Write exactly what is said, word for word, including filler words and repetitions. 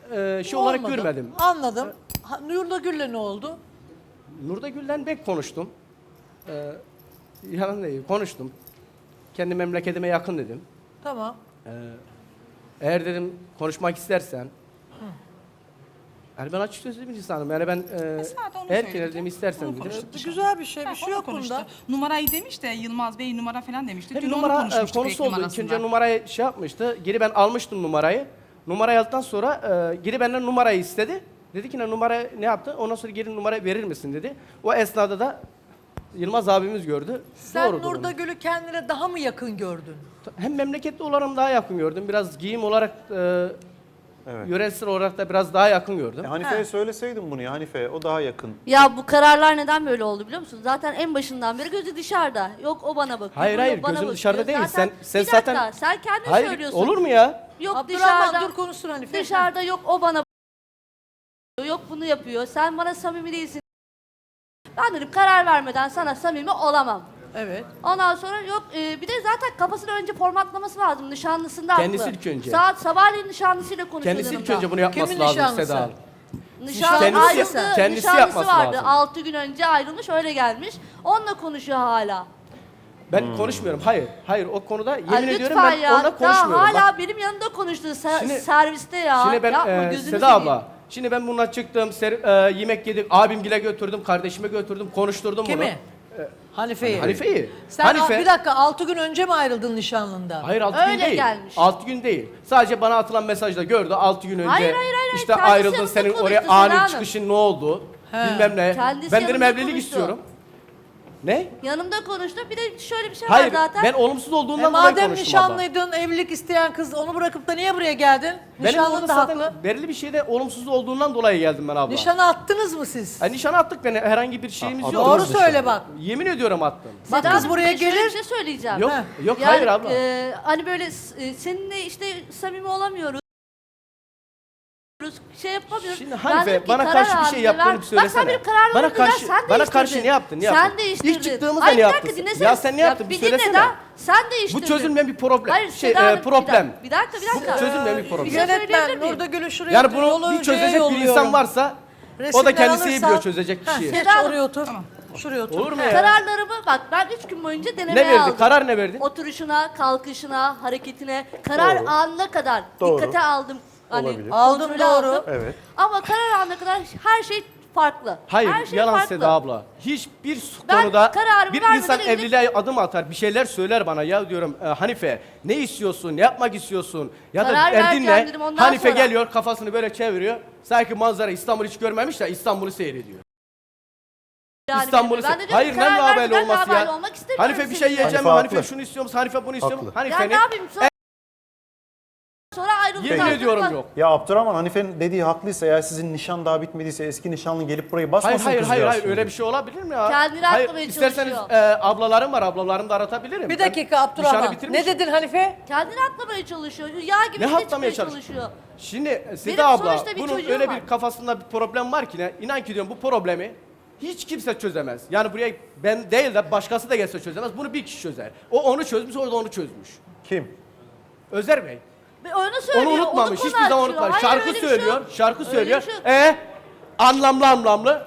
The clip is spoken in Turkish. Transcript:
e, şey olarak Olmadı. görmedim. Anladım. Ha, Nurda Gül'le ne oldu? Nurda Gül'den pek konuştum. Ee, yalan değil, konuştum. Kendi memleketime yakın dedim. Tamam. Eğer dedim konuşmak istersen, yani ben açık sözlü bir insanım. Yani ben e, zaten onu eğer söyledi. ki dedim istersen Onu dedim. konuştuk. Bu güzel bir şey, bir Ha, şey onu yok konuştu. bunda. Numarayı demiş de Yılmaz Bey numara falan demişti. Hep Dün onu numara e, konuşmuştuk konusu oldu. reklam İlk önce arasında. numarayı şey yapmıştı. Geri ben almıştım numarayı. Numarayı aldıktan sonra e, geri benden numarayı istedi. Dedi ki ne numara ne yaptı? Ondan sonra geri numarayı verir misin dedi. O esnada da Yılmaz abimiz gördü. Sen Doğrudur Nurda onun. Gül'ü kendine daha mı yakın gördün? Hem memleketli olarak daha yakın gördüm. Biraz giyim olarak, e, Evet. yöresel olarak da biraz daha yakın gördüm. E, Hanife'ye söyleseydin bunu ya Hanife, o daha yakın. Ya bu kararlar neden böyle oldu biliyor musun? Zaten en başından beri gözü dışarıda. Yok o bana bakıyor. Hayır, bu hayır, yok bana gözüm bakıyor. dışarıda değil. Zaten- Sen- sen bir dakika, zaten- sen kendin Hayır, söylüyorsun. olur mu ya? Yok Abdurrahman dışarıda. dur konuşsun Hanife. Dışarıda yok o bana bakıyor. Yok bunu yapıyor. Sen bana samimi değilsin. Ben dedim karar vermeden sana samimi olamam. Evet. Ondan sonra yok e, bir de zaten kafasını önce formatlaması lazım. Nişanlısında Kendisi haklı. ilk önce. Saat sabahleyin nişanlısıyla konuşuyor Kendisi ilk yanımda. önce bunu yapması Kimin lazım nişanlısı? Seda Hanım. Nişan Kendisi- ayrıldı, kendisi nişanlısı yapması vardı. lazım. altı gün önce ayrılmış öyle gelmiş. Onunla konuşuyor hala. Ben konuşmuyorum. Hayır. Hayır o konuda yemin Ay, ediyorum lütfen ben ya. onunla konuşmuyorum. Daha hala Bak, benim yanımda konuştu se- Şimdi- serviste ya. şimdi ben Yapma, e, gözünü Seda seveyim. abla. Şimdi ben bununla çıktım, ser- e, yemek yedik, abimgile götürdüm, kardeşime götürdüm, konuşturdum bunu. Kimi? Hanife'yi. Hanife'yi. Sen Hanife, bir dakika altı gün önce mi ayrıldın nişanlından? hayır altı gün Öyle değil. gelmiş. altı gün değil. Sadece bana atılan mesajda gördü altı gün önce. Hayır, hayır, hayır, İşte kendisi ayrıldın, yanımda senin konuştu oraya Seda ani Hanım. çıkışın ne oldu? He. Bilmem ne. Kendisi ben dedim yanımda evlilik konuştu. istiyorum. Ne? Yanımda konuştu. Bir de şöyle bir şey Hayır, var zaten. ben olumsuz E olduğundan dolayı madem konuştum abla. nişanlıydın, evlilik isteyen kız onu bırakıp da niye buraya geldin? Benim Nişanlın orada da zaten haklı. belirli bir şeyde olumsuz olduğundan dolayı geldim ben abla. Nişanı attınız mı siz? Yani nişan attık beni, herhangi bir şeyimiz A- yok. Doğru attınız söyle nişanı. bak. Yemin ediyorum attım. Bak Seda kız Hanım, buraya bir de şöyle gelir. Bir şey söyleyeceğim. Yok, Heh. yok Yani, hayır abla. e, hani böyle e, seninle işte samimi olamıyoruz. Şey yapamıyoruz. Şimdi Ben Hanife, dedim ki, bana karar karşı bir aldın şey ve yaptığını ver- bir söylesene. Bak sen benim kararlarımı Bana ver, karşı- sen bana değiştirdin. karşı ne yaptın, ne yaptın? Sen değiştirdin. İlk çıktığımızda Hayır, ne bir dakika, yaptın? dinlesene. Ya sen ne yaptın, bir bir dinle söylesene. daha. Sen değiştirdin. Bu çözülmeyen bir problem. Hayır, şey, Seda e, Hanım, bir problem. dakika, Bir dakika, bir dakika. Bu çözülmeyen bir problem. Bir şey söyleyebilir Yönetmen miyim? Nurda Gül'ü şuraya Yani otur, yolu bunu bir Ülke'ye çözecek bir yolluyorum. insan varsa o da Resimler kendisi iyi alırsan- biliyor çözecek Heh, kişiyi. Geç Seda Hanım. oraya otur. Şuraya otur. Olur mu ya? Kararlarımı bak ben üç gün boyunca denemeye Ne verdi? aldım. Karar ne verdin? Oturuşuna, kalkışına, hareketine, karar Doğru. anına kadar Doğru. dikkate aldım. Hani Olabilir. Aldım, kontrolü doğru. aldım. Evet. Ama karar anına kadar her şey farklı. Hayır, her şey yalan farklı. Seda abla. Hiçbir Ben konuda kararımı bir vermeden insan önce- evliliğe adım atar, bir şeyler söyler bana. Ya diyorum e, Hanife, ne istiyorsun, ne yapmak istiyorsun? Ya da Karar derdin vereceğim ne? dedim, ondan Hanife sonra. geliyor, kafasını böyle çeviriyor. Sanki manzara İstanbul hiç görmemiş de İstanbul'u seyrediyor. Yani İstanbul'u ben de se- diyorum Hayır, ki, karar ne haberli vermeden olması haberli ya? olmak istemiyorum Hanife bir şey sizinle. yiyeceğim mi? Hanife Hanife haklı. şunu istiyor musun? Hanife bunu istiyor musun? Haklı. Ya Hanife ne ne? yapayım sonra, sonra ayrıldık. Yemin artık ediyorum bak- yok. Ya Abdurrahman, Hanife'nin dediği haklıysa, eğer sizin nişan daha bitmediyse eski nişanlı gelip burayı basmasın Hayır hayır hayır kızcağız hayır şimdi. öyle bir şey olabilir mi ya? Kendini hayır, aklamaya isterseniz çalışıyor. e, ablalarım var, ablalarımı da aratabilirim. Bir Ben dakika nişanı Abdurrahman. bitirmişim. Ne dedin Hanife? Kendini atlamaya çalışıyor. Yağ gibi Ne üstüne atlamaya çıkmaya çalış- çalışıyor. Şimdi e, Benim Seda abla sonuçta bir bunun çocuğum öyle var. bir kafasında bir problem var ki ne? İnan ki diyorum bu problemi hiç kimse çözemez. Yani buraya ben değil de başkası da gelse çözemez. Bunu bir kişi çözer. O onu çözmüş, o da onu çözmüş. Kim? Özer Bey. Ve onu söylüyor. Onu unutmamış. konu Hiçbir zaman açıyor. unutmamış. Hayır, Şarkı öyle bir şey söylüyor. yok. Şarkı Öyle söylüyor. bir şey yok. E anlamlı anlamlı.